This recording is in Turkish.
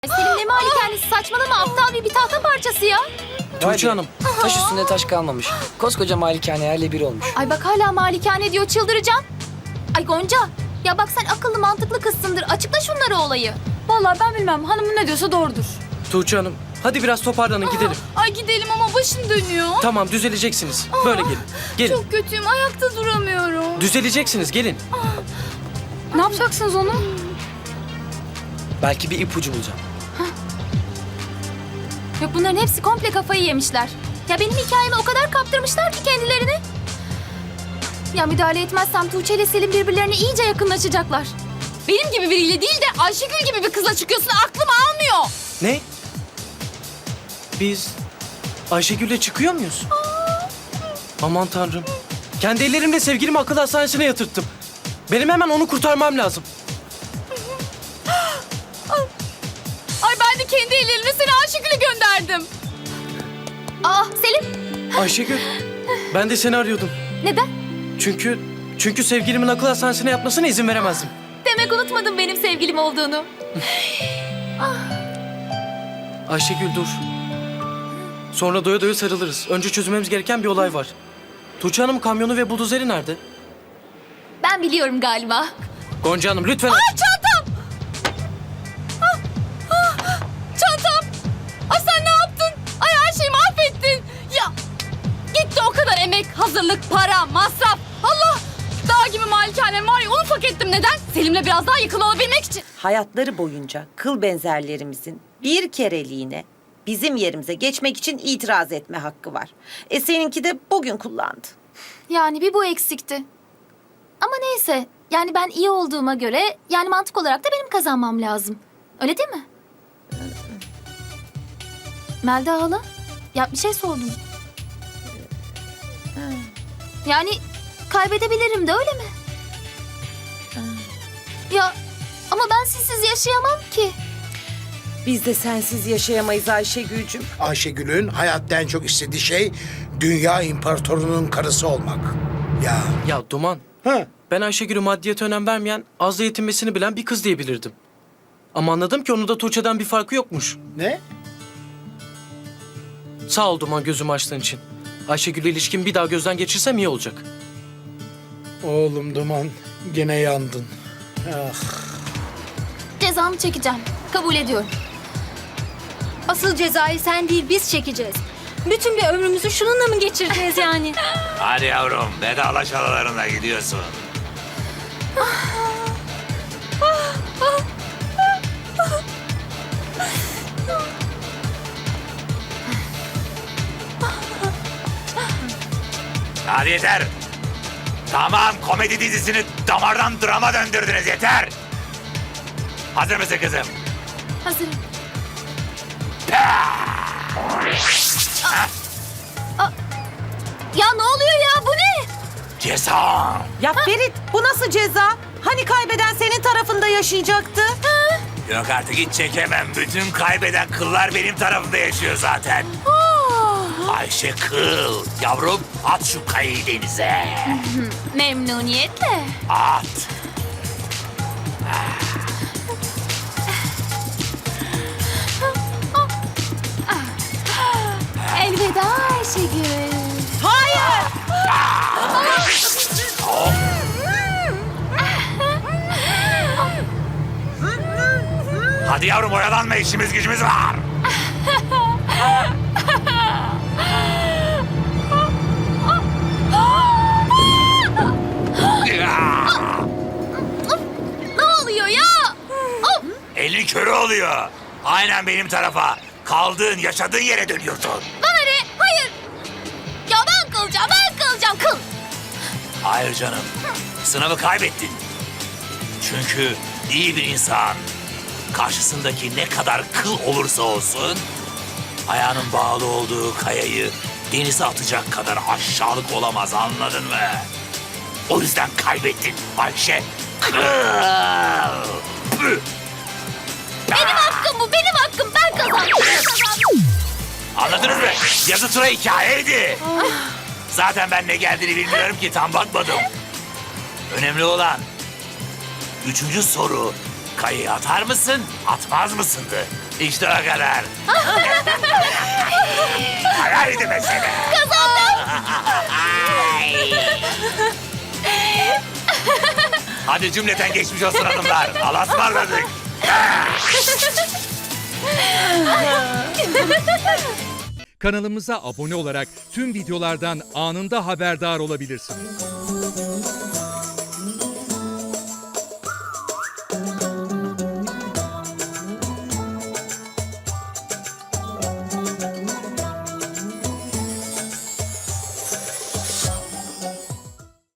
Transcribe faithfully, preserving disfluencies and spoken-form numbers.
Selim ne malikanesi, saçmalama, aptal bir bir tahta parçası ya. Tuğçe Hanım, taş üstünde taş kalmamış. Koskoca malikane yerle bir olmuş. Ay bak hala malikane diyor, çıldıracağım. Ay Gonca, ya bak sen akıllı mantıklı kızsındır. Açıkla şunları olayı. Vallahi ben bilmem. Hanımın ne diyorsa doğrudur. Tuğçe Hanım, hadi biraz toparlanın gidelim. Ay gidelim ama başım dönüyor. Tamam, düzeleceksiniz. Böyle gelin. Gelin. Çok kötüyüm. Ayakta duramıyorum. Düzeleceksiniz, gelin. Ne yapacaksınız onu? Belki bir ipucu bulacağım. Yok bunların hepsi komple kafayı yemişler. Ya benim hikayeme o kadar kaptırmışlar ki kendilerini. Ya müdahale etmezsem Tuğçe ile Selim birbirlerine iyice yakınlaşacaklar. Benim gibi biriyle değil de Ayşegül gibi bir kızla çıkıyorsun. Aklım almıyor. Ne? Biz Ayşegül'le çıkıyor muyuz? Aman tanrım. Kendi ellerimle sevgilimi akıl hastanesine yatırttım. Benim hemen onu kurtarmam lazım. Ay ben de kendi ellerimle seni Ayşegül'e gönderdim. Aa Selim, Ayşegül, ben de seni arıyordum. neden? Çünkü çünkü sevgilimin akıl hastanesine yatmasına izin veremezdim. Demek unutmadın benim sevgilim olduğunu. Ayşegül dur. Sonra doya doya sarılırız. Önce çözmemiz gereken bir olay var. Tuğçe Hanım kamyonu ve buldozeri nerede? Ben biliyorum galiba. Gonca Hanım lütfen... Çantam! Ah, ah, Çantam! Ay sen ne yaptın? Ay her şeyi mahvettin. Ya gitti o kadar emek, hazırlık, para, masraf. Allah! Dağ gibi malikanem var ya onu hak ettim. Neden? Selim'le biraz daha yakın olabilmek için. Hayatları boyunca kıl benzerlerimizin bir kereliğine bizim yerimize geçmek için itiraz etme hakkı var. E seninki de bugün kullandı. Yani bir bu eksikti. Ama neyse. Yani ben iyi olduğuma göre yani mantık olarak da benim kazanmam lazım. Öyle değil mi? Melda hala? Ya bir şey sordum. Yani kaybedebilirim de öyle mi? Ya ama ben sizsiz yaşayamam ki. Biz de sensiz yaşayamayız Ayşegül'cüm. Ayşegül'ün hayatta en çok istediği şey dünya imparatorunun karısı olmak. Ya. Ya Duman, Ha. ben Ayşegül'ü maddiyete önem vermeyen, azla yetinmesini bilen bir kız diyebilirdim. Ama anladım ki onun da Tuğçe'den bir farkı yokmuş. Ne? Sağ ol Duman gözümü açtığın için. Ayşegül'le ilişkimi bir daha gözden geçirsem iyi olacak. Oğlum Duman, gene yandın. Ah. Cezamı çekeceğim. Kabul ediyorum. Asıl cezayı sen değil biz çekeceğiz. Bütün bir ömrümüzü şununla mı geçireceğiz yani? Hadi yavrum, vedalaş aralarına gidiyorsun. Hadi yeter. Tamam, komedi dizisini damardan drama döndürdünüz, yeter. Hazır mısın kızım? Hazırım. Ya ne oluyor ya? Bu ne? Ceza. Ya Ferit bu nasıl ceza? Hani kaybeden senin tarafında yaşayacaktı? Yok artık hiç çekemem. Bütün kaybeden kıllar benim tarafımda yaşıyor zaten. Ayşe Kıl. Yavrum at şu kayayı denize. Memnuniyetle. At. Elveda Ayşegül. Hadi yavrum oyalanma, işimiz gücümüz var. Ne oluyor ya? Of! Elin körü oluyor. Aynen benim tarafa. Kaldığın, yaşadığın yere dönüyorsun. Bana ne? Hayır. Ya ben kalacağım, ben kalacağım. Kıl. Hayır canım. Sınavı kaybettin. Çünkü iyi bir insan karşısındaki ne kadar kıl olursa olsun ayağının bağlı olduğu kayayı denize atacak kadar aşağılık olamaz, anladın mı? O yüzden kaybettin Ayşe Kıl. Püh! Benim hakkım bu, benim hakkım. Ben kazandım, ben kazandım. Anladınız mı? Yazı tura hikayeydi. Zaten ben ne geldiğini bilmiyorum ki, tam bakmadım. Önemli olan üçüncü soru, kayayı atar mısın, atmaz mısındı? İşte o kadar. Haydi mesele. Kazandım. Hadi cümleten geçmiş olsun hanımlar. Allah'a ısmarladık. Kanalımıza abone olarak tüm videolardan anında haberdar olabilirsiniz.